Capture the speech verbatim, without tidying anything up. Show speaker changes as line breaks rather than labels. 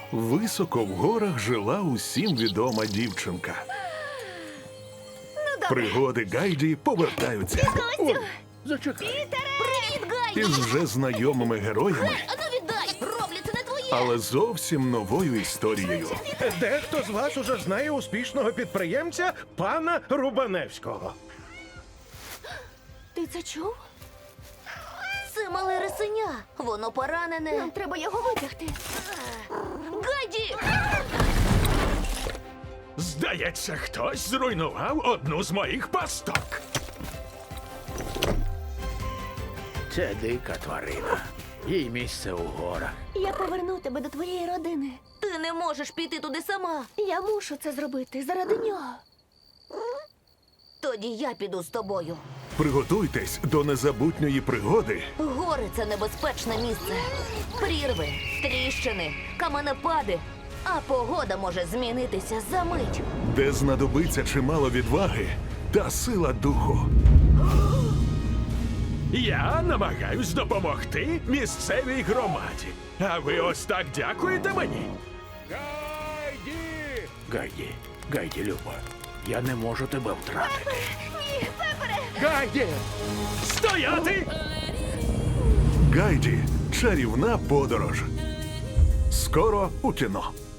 Високо в горах жила усім відома дівчинка. Пригоди Гайді повертаються
Костю!
Зачекай.
Привіт, Гайді!
із вже знайомими героями,
А ну віддай! Роблю, це не твоє!
але зовсім новою історією.
Дехто з вас уже знає успішного підприємця пана Рубаневського.
Ти це чув? Це мале рисеня. Воно поранене. Нам треба його витягти. Гайді!
Здається, хтось зруйнував одну з моїх пасток.
Це дика тварина. Їй місце у горах.
Я поверну тебе до твоєї родини. Ти не можеш піти туди сама. Я мушу це зробити заради нього. Тоді я піду з тобою.
Приготуйтесь до незабутньої пригоди,
Гори – це небезпечне місце. Прірви, тріщини, каменепади. А погода може змінитися за мить.
де знадобиться чимало відваги та сила духу.
Я намагаюсь допомогти місцевій громаді. А ви ось так дякуєте мені?
Гайді!
Гайді, Гайді, Люба, я не можу тебе втратити.
Ні, Пепере!
Гайді!
Стояти!
Гайді. Чарівна подорож. Скоро у кіно.